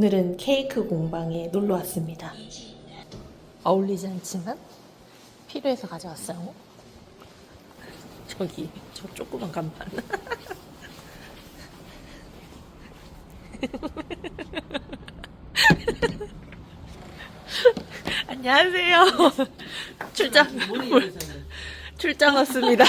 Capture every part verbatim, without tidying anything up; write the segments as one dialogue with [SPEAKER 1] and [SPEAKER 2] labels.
[SPEAKER 1] 오늘은 케이크 공방에 놀러 왔습니다. 어울리지 않지만 필요해서 가져왔어요. 저기 저 조그만 간판. 안녕하세요. 출장 출장 왔습니다.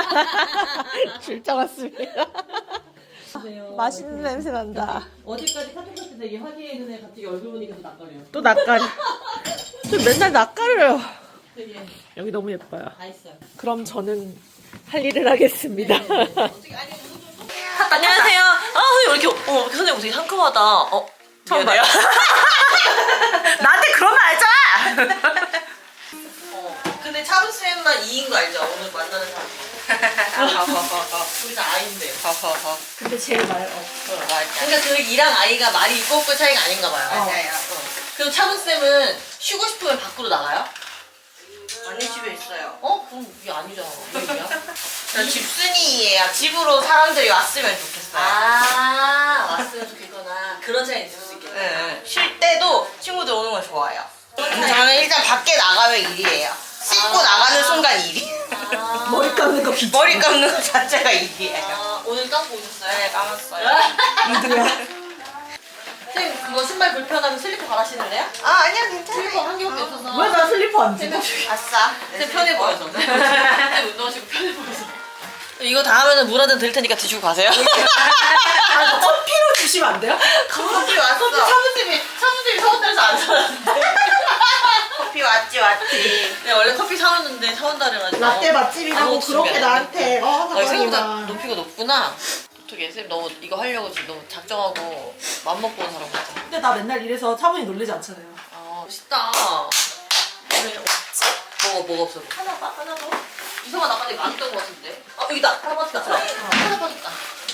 [SPEAKER 1] 출장 왔습니다. 맛있는 냄새 난다.
[SPEAKER 2] 어제까지 카톡 할때 되게 화기애애했는데 갑자기 얼굴 보니까 또 낯가려요.
[SPEAKER 1] 또 낯가려. 저 맨날 낯가려요.
[SPEAKER 2] 되게
[SPEAKER 1] 여기 너무 예뻐요.
[SPEAKER 2] 다 있어요.
[SPEAKER 1] 그럼 저는 할 일을 하겠습니다.
[SPEAKER 2] 어떻게 아니 안녕하세요. 아 선생님 왜 이렇게 어 선생님 되게 상큼하다. 어 처음 봐요.
[SPEAKER 1] 나한테 그러면 알잖아.
[SPEAKER 2] 어 근데 차분 쌤만 이인 거 알죠? 오늘 만나는 사람. 우리 다 아인데.
[SPEAKER 1] 근데 제일 말 없어.
[SPEAKER 2] 그러니까 그 이랑 아이가 말이 있고 없고 차이가 아닌가 봐요.
[SPEAKER 1] 맞아요.
[SPEAKER 2] 어. 그럼 차분 쌤은 쉬고 싶으면 밖으로 나가요?
[SPEAKER 3] 아니 집에 있어요.
[SPEAKER 2] 어? 그럼 이게 아니잖아. 왜냐? 나 집순이예요. 집으로 사람들이 왔으면 좋겠어요. 아 왔으면 좋겠구나. 그런 차이 있을 수 있겠다.
[SPEAKER 3] 네. 쉴 때도 친구들 오는 걸 좋아해요.
[SPEAKER 2] 저는
[SPEAKER 3] 일단 밖에 나가면 일이에요. 씻고
[SPEAKER 2] 아.
[SPEAKER 3] 나가는 순간 일이.
[SPEAKER 2] 아,
[SPEAKER 1] 머리 감는 거 비춰.
[SPEAKER 3] 머리 감는 거 자체가 일이에요.
[SPEAKER 2] 아, 오늘 감고 오셨어요?
[SPEAKER 3] 네, 감았어요.
[SPEAKER 1] 누구야?
[SPEAKER 2] 선생님 그거 신발 불편하면 슬리퍼 갈아신을래요?
[SPEAKER 3] 아 아니야
[SPEAKER 2] 슬리퍼
[SPEAKER 3] 괜찮아요.
[SPEAKER 2] 한 개밖에 없어서.
[SPEAKER 1] 왜 나 슬리퍼 안
[SPEAKER 2] 세
[SPEAKER 1] 지?
[SPEAKER 2] 명
[SPEAKER 3] 아싸.
[SPEAKER 2] 쌤 편해 보여서. 쌤 운동하시고 편해 보여서. 이거 다 하면은 물 한 잔 드릴 테니까 드시고 가세요.
[SPEAKER 1] 아, 커피로 주시면 안 돼요?
[SPEAKER 3] 커피 왔어.
[SPEAKER 2] 커피 차분쌤이 차분쌤이 사온다면서 안 사왔는데.
[SPEAKER 3] 커피 왔지 왔지.
[SPEAKER 2] 네 원래 커피 사왔는데 사온다 그래가지고.
[SPEAKER 1] 라떼 맛집이라고
[SPEAKER 2] 아무것도
[SPEAKER 1] 그렇게
[SPEAKER 2] 준비 안
[SPEAKER 1] 나한테 어
[SPEAKER 2] 아, 생각보다
[SPEAKER 1] 사장님아.
[SPEAKER 2] 높이가 높구나. 어떻게 쌤 너무 이거 하려고 지금 너무 작정하고 맘먹고 온 사람 같아.
[SPEAKER 1] 근데 나 맨날 이래서 차분히 놀리지 않잖아요.
[SPEAKER 2] 아 멋있다. 왜 없지? 뭐가 뭐가 없어? 하나 봐 하나 더. 이성아 나까지 많았던 것 같은데. 아 여기다 하나 빠졌다. 하나 빠졌다.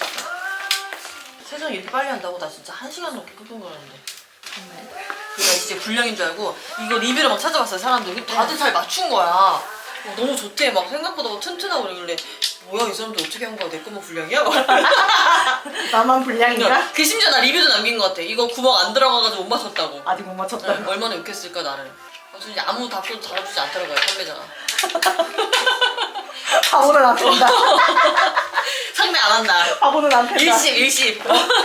[SPEAKER 2] 세상 이렇게 빨리 한다고 나 진짜 한 시간 넘게 끙끙 거렸는데. 정말. 그래서 진짜 불량인 줄 알고 이거 리뷰를 막 찾아봤어요 사람들. 다들 잘 맞춘 거야. 어, 너무 좋대 막 생각보다 막 튼튼하고 그러길래 뭐야 이 사람들 어떻게 한 거야 내 거만 불량이야?
[SPEAKER 1] 나만 불량인가?
[SPEAKER 2] 그 심지어 나 리뷰도 남긴 것 같아. 이거 구멍 안 들어가가지고 못 맞췄다고.
[SPEAKER 1] 아직 못 맞췄다.
[SPEAKER 2] 네, 얼마나 욕했을까 나를. 어, 진짜 아무 답도 달아주지 않더라고요 판매자가.
[SPEAKER 1] 바보는 안 된다.
[SPEAKER 2] 상대 안 한다.
[SPEAKER 1] 바보는 안 된다.
[SPEAKER 2] 일십 일십.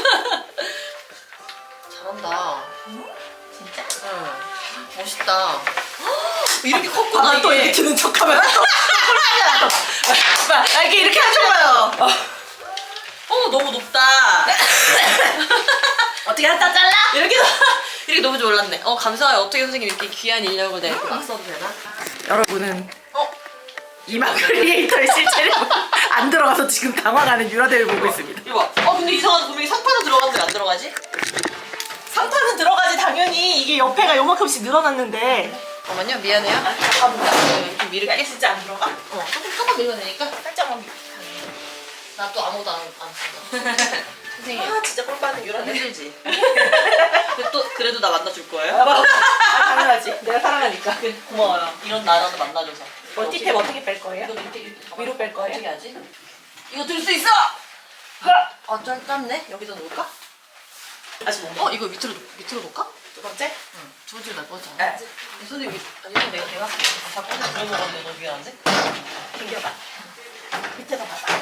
[SPEAKER 2] 잘한다. 진짜? 응. 멋있다. 이렇게 컸구나
[SPEAKER 1] 아, 또
[SPEAKER 2] 이게.
[SPEAKER 1] 이렇게 드는 척하면 또
[SPEAKER 2] 아, 이렇게 이렇게 하줘봐요. 어 너무 높다.
[SPEAKER 1] 어떻게 한다 잘라?
[SPEAKER 2] 이렇게 이렇게 너무 졸랐네. 어 감사해요. 어떻게 선생님 이렇게 귀한 인력을 내가 이렇게 막 써도 되나?
[SPEAKER 1] 여러분은
[SPEAKER 2] 어
[SPEAKER 1] 이마 크리에이터의 실체를 안 들어가서 지금 당황하는 유라델을 보고 있습니다.
[SPEAKER 2] 이거 봐. 어 근데 이상하다. 분명히 상판은 들어갔는데 안 들어가지?
[SPEAKER 1] 상판은 들어가지 당연히. 이게 옆에가 요만큼씩 늘어났는데.
[SPEAKER 2] 잠깐만요. 미안해요.
[SPEAKER 1] 잠깐만.
[SPEAKER 2] 이렇게 밀을게.
[SPEAKER 1] 진짜 안 들어가?
[SPEAKER 2] 어 조금 조금 밀면 되니까.
[SPEAKER 1] 살짝만 밀.
[SPEAKER 2] 나 또 아무것도 안, 안 쓴다. 선생님.
[SPEAKER 1] 아 진짜 꿀 빠는 유라델.
[SPEAKER 2] 힘들지? 근데 또 그래도 나 만나줄 거예요?
[SPEAKER 1] 아, 당연하지. 내가 사랑하니까.
[SPEAKER 2] 그, 고마워요. 이런 나라도 만나줘서.
[SPEAKER 1] 멀티탭 어떻게 뺄 거예요?
[SPEAKER 2] 이거 밑에 이렇게 가만-
[SPEAKER 1] 위로 뺄 거예요?
[SPEAKER 2] 어떻게 하지? 이거 들 수 있어! 아, 짧, 짧네? 여기다 놓을까?
[SPEAKER 1] 다시 뭐?
[SPEAKER 2] 어, 이거 밑으로, 놓- 밑으로 놓을까?
[SPEAKER 1] 두 번째?
[SPEAKER 2] 응. 두 번째로 날 뻔했잖아.
[SPEAKER 1] 네.
[SPEAKER 2] 선생님, 아니, 이건 내가 대놨어. 자꾸 혼자 그래 먹었는데 너무 미안한데?
[SPEAKER 1] 당겨봐. 밑에다 봐봐.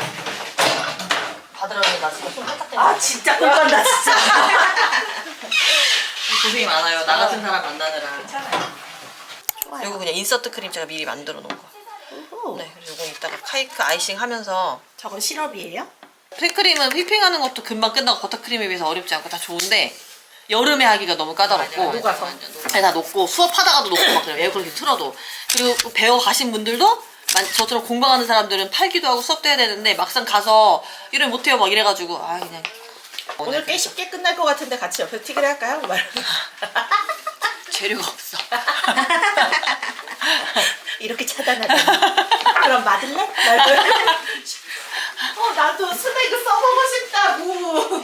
[SPEAKER 2] 받으라니 나 지금 손 살짝
[SPEAKER 1] 아 진짜 꿀 빤다 진짜.
[SPEAKER 2] 고생이 많아요. 나 같은 사람 만나느라.
[SPEAKER 1] 괜찮아요. 좋아요.
[SPEAKER 2] 이거 그냥 인서트 크림 제가 미리 만들어 놓은 거.
[SPEAKER 1] 오호.
[SPEAKER 2] 네, 그래서 이거 이따가 카이크 아이싱 하면서
[SPEAKER 1] 저건 시럽이에요?
[SPEAKER 2] 휘크림은 휘핑하는 것도 금방 끝나고 버터크림에 비해서 어렵지 않고 다 좋은데 여름에 하기가 너무 까다롭고
[SPEAKER 1] 녹아서.
[SPEAKER 2] 네, 다 녹고 수업하다가도 녹고 막 그래요. 에어컨 이렇게 틀어도. 그리고 배워 가신 분들도 만- 저처럼 공부하는 사람들은 팔기도 하고 수업도 해야 되는데 막상 가서 일을 못해요 막 이래가지고 아 그냥
[SPEAKER 1] 오늘 꽤 쉽게 끝날 것 같은데 같이 옆에 튀기를 할까요? 말.
[SPEAKER 2] 재료가 없어.
[SPEAKER 1] 이렇게 차단하다니. 그럼 맞을래? 말고. 어 나도 스낵을 써보고 싶다고.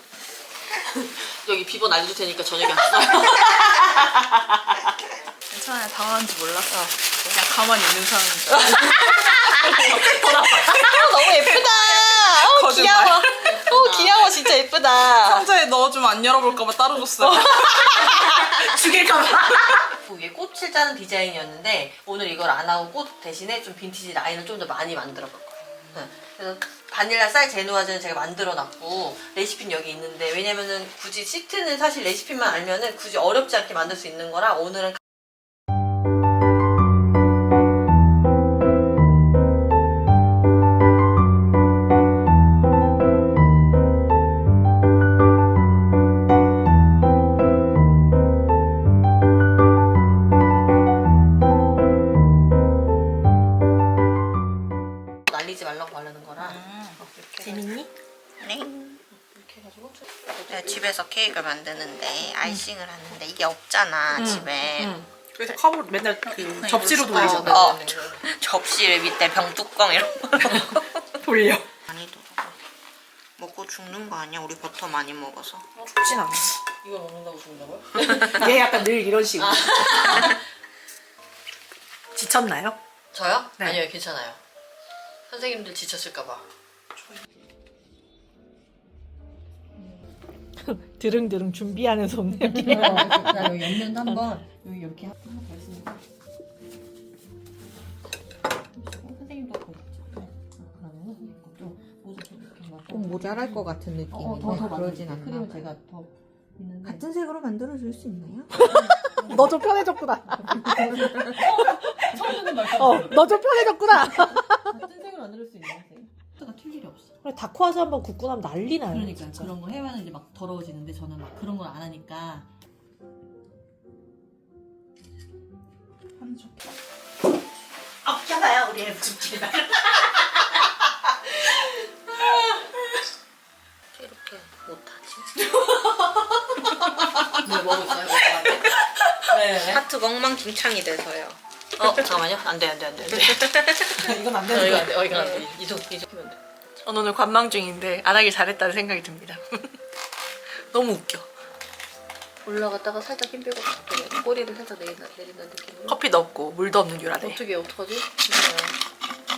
[SPEAKER 2] 여기 비번 알려줄 테니까 저녁에 왔어요.
[SPEAKER 3] 괜찮아요. 당황한지 몰랐어. 그냥 가만히 있는 사람인 줄
[SPEAKER 2] 너무 예쁘다. 어,
[SPEAKER 3] 거짓말.
[SPEAKER 2] 귀여워. 어, 귀여워. 와 진짜 예쁘다.
[SPEAKER 3] 상자에 넣어주면 안 열어볼까봐 따로 줬어요.
[SPEAKER 1] 죽일까봐.
[SPEAKER 2] 이게 꽃을 짜는 디자인이었는데 오늘 이걸 안 하고 꽃 대신에 좀 빈티지 라인을 좀 더 많이 만들어 볼 거예요. 네. 그래서 바닐라 쌀 제누아즈는 제가 만들어 놨고 레시피는 여기 있는데 왜냐면은 굳이 시트는 사실 레시피만 알면은 굳이 어렵지 않게 만들 수 있는 거라 오늘은 날리지 말라고 바르는 거라 어, 이렇게
[SPEAKER 1] 재밌니?
[SPEAKER 4] 네.
[SPEAKER 2] 이렇게 해가지고
[SPEAKER 4] 내가 집에서 케이크를 만드는데 아이싱을 하는데 이게 없잖아 집에.
[SPEAKER 1] 응. 그래서 컵으로 맨날 그 접시로
[SPEAKER 2] 아,
[SPEAKER 1] 돌리잖아.
[SPEAKER 2] 네,
[SPEAKER 4] 어.
[SPEAKER 2] 네, 네, 네.
[SPEAKER 4] 접시를 밑에 병뚜껑 이런 거
[SPEAKER 1] 돌려.
[SPEAKER 4] 많이 들어. 먹고 죽는 거 아니야? 우리 버터 많이 먹어서.
[SPEAKER 1] 죽진 않아.
[SPEAKER 2] 이거 먹는다고 죽는다고요?
[SPEAKER 1] 얘 약간 늘 이런 식으로. 지쳤나요?
[SPEAKER 2] 저요?
[SPEAKER 1] 네.
[SPEAKER 2] 아니요 괜찮아요. 선생님들 지쳤을까봐.
[SPEAKER 1] 드릉드릉 준비하는 손님.
[SPEAKER 2] 나 여기 옆면도 한번 여기 이렇게 하나 더 있으니까. 선생님도 거기 있죠. 그러면은 이것도 모두 좀 이렇게 막.
[SPEAKER 5] 좀 모자랄 것 같은 느낌인데
[SPEAKER 2] 어, 더, 더
[SPEAKER 5] 그러진
[SPEAKER 2] 많이
[SPEAKER 5] 않나
[SPEAKER 2] 크림을
[SPEAKER 5] 봐요.
[SPEAKER 2] 제가 더 있는데.
[SPEAKER 5] 같은 색으로 만들어줄 수 있나요?
[SPEAKER 1] 너 좀 편해졌구나.
[SPEAKER 2] 처음에는 말씀.
[SPEAKER 1] 어, 너 좀 편해졌구나.
[SPEAKER 2] 같은 색으로 만들 수 있는 색. 가 튈 일이 없어.
[SPEAKER 1] 그래, 다크화즈 한번 굽고 나면 난리 나요.
[SPEAKER 2] 그러니까
[SPEAKER 1] 진짜.
[SPEAKER 2] 그런 거 해면 이제 막 더러워지는데 저는 막 그런 걸 안 하니까.
[SPEAKER 3] 한 쪽.
[SPEAKER 1] 없잖아요, 우리 애 죽지나.
[SPEAKER 4] 이렇게 못하지.
[SPEAKER 2] 뭐 먹고 있어요? 먹고 왔대? 네.
[SPEAKER 4] 하트가 엉망진창이 돼서요.
[SPEAKER 2] 어 잠깐만요. 안돼 안돼 안돼 안돼.
[SPEAKER 1] 이건 안
[SPEAKER 2] 어
[SPEAKER 1] 되는
[SPEAKER 2] 이거
[SPEAKER 1] 거야.
[SPEAKER 2] 안돼. 어 이거 안돼. 이쪽 이쪽 하면 돼.
[SPEAKER 1] 저는 오늘 관망 중인데 안 하길 잘했다는 생각이 듭니다. 너무 웃겨.
[SPEAKER 2] 올라갔다가 살짝 힘 빼고 갑자기 꼬리를 살짝 내린다, 내린다는 느낌으로.
[SPEAKER 1] 커피도 없고 물도 없는 유라데.
[SPEAKER 2] 어떻게 어떡하지? 힘들어요.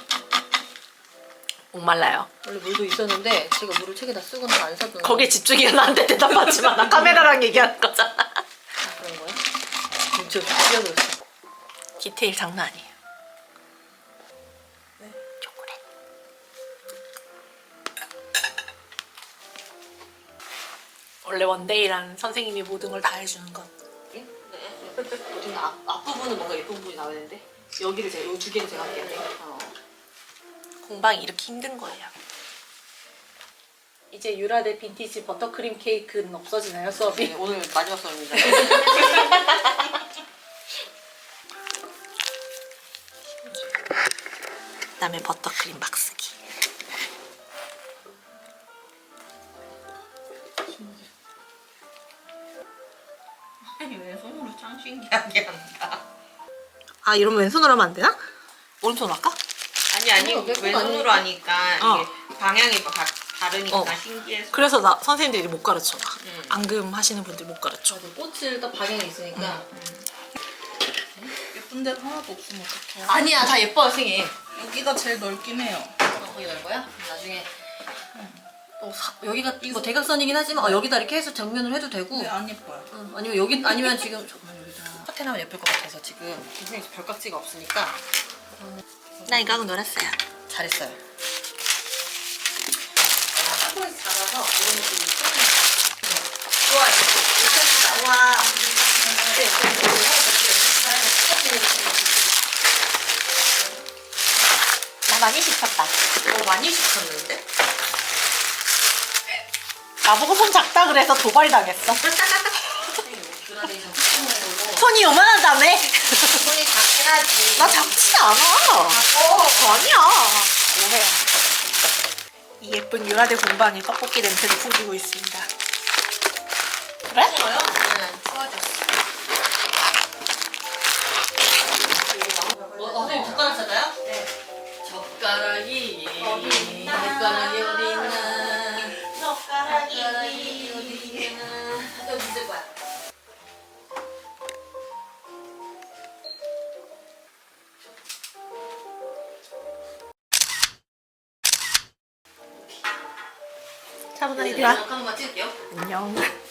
[SPEAKER 1] 목말라요.
[SPEAKER 2] 원래 물도 있었는데 제가 물을 책에다 쓰고는 안 사둔.
[SPEAKER 1] 거기에 집중이 나한테 대답하지만 나 카메라랑 얘기하는 거잖아.
[SPEAKER 2] 아, 그런 거야? 진짜 뛰어들었어.
[SPEAKER 1] 디테일 장난 아니에요. 초콜릿. 원래 원데이란 선생님이 모든 걸 다 해주는 것.
[SPEAKER 2] 네. 네. 앞, 앞부분은 뭔가 예쁜 부분이 나와야 되는데 여기를 제가 이 두 개를 제가 할게요. 어.
[SPEAKER 1] 공방이 이렇게 힘든 거예요. 이제 유라데 빈티지 버터크림 케이크는 없어지나요, 수업이?
[SPEAKER 2] 네, 오늘 마지막 수업입니다.
[SPEAKER 1] 그다음에 버터크림 막 쓰기.
[SPEAKER 4] 왜 손으로 참 신기하게 한다.
[SPEAKER 1] 아 이러면 왼손으로 하면 안 되나? 오른손으로 할까?
[SPEAKER 4] 아니 아니
[SPEAKER 2] 손으로 뺄거
[SPEAKER 4] 왼손으로 하니까
[SPEAKER 1] 어.
[SPEAKER 4] 이게 방향이 다 다르니까
[SPEAKER 1] 어.
[SPEAKER 4] 신기해서.
[SPEAKER 1] 그래서 나 선생님들이 못 가르쳐. 나.
[SPEAKER 4] 음.
[SPEAKER 1] 앙금 하시는 분들 못 가르쳐.
[SPEAKER 2] 저도 꽃을 딱 방향이 있으니까.
[SPEAKER 3] 예쁜 데도 하나도 없으면 어떡해.
[SPEAKER 2] 아니야, 다 예뻐요, 선생님.
[SPEAKER 3] 여기가 제일 넓긴 해요.
[SPEAKER 2] 어, 거기 갈 거야? 나중에. 어, 사, 여기가 이거 대각선이긴 하지만 어, 여기다 이렇게 해서 정면을 해도 되고.
[SPEAKER 3] 근데 안 예뻐요.
[SPEAKER 2] 어, 아니면 여기 아니면 지금 잠깐만 여기다 파테나면 예쁠 것 같아서 지금 선생님 별깍지가 없으니까
[SPEAKER 1] 나 이거 하고 놀았어요.
[SPEAKER 2] 잘했어요. 한번에 작아서 이런 느낌이 좋아요. 이렇게 나와.
[SPEAKER 1] 나 많이 시켰다.
[SPEAKER 4] 어, 많이 시켰는데?
[SPEAKER 1] 나보고 손 작다 그래서 도발당했어.
[SPEAKER 2] 그라데이션 푸는
[SPEAKER 1] 손이 요만하다며?
[SPEAKER 4] 손이 작긴 하지.
[SPEAKER 1] 나 작지 않아. 어, 아니야. 오해. 이 예쁜 유라데 공방이 떡볶이 냄새를 풍기고 있습니다. 그래?
[SPEAKER 2] 거요?
[SPEAKER 4] 응, 추워졌어.
[SPEAKER 2] 어, 선생님 젓가락 찾아요? 네. 젓가락이 어디 있나? 젓가락이 어디 있나? 젓가락이 어디 있나? 여기 있을 거야. 네,
[SPEAKER 1] 차분한 이리 와.
[SPEAKER 2] 하는 거 찍을게요.
[SPEAKER 1] 안녕.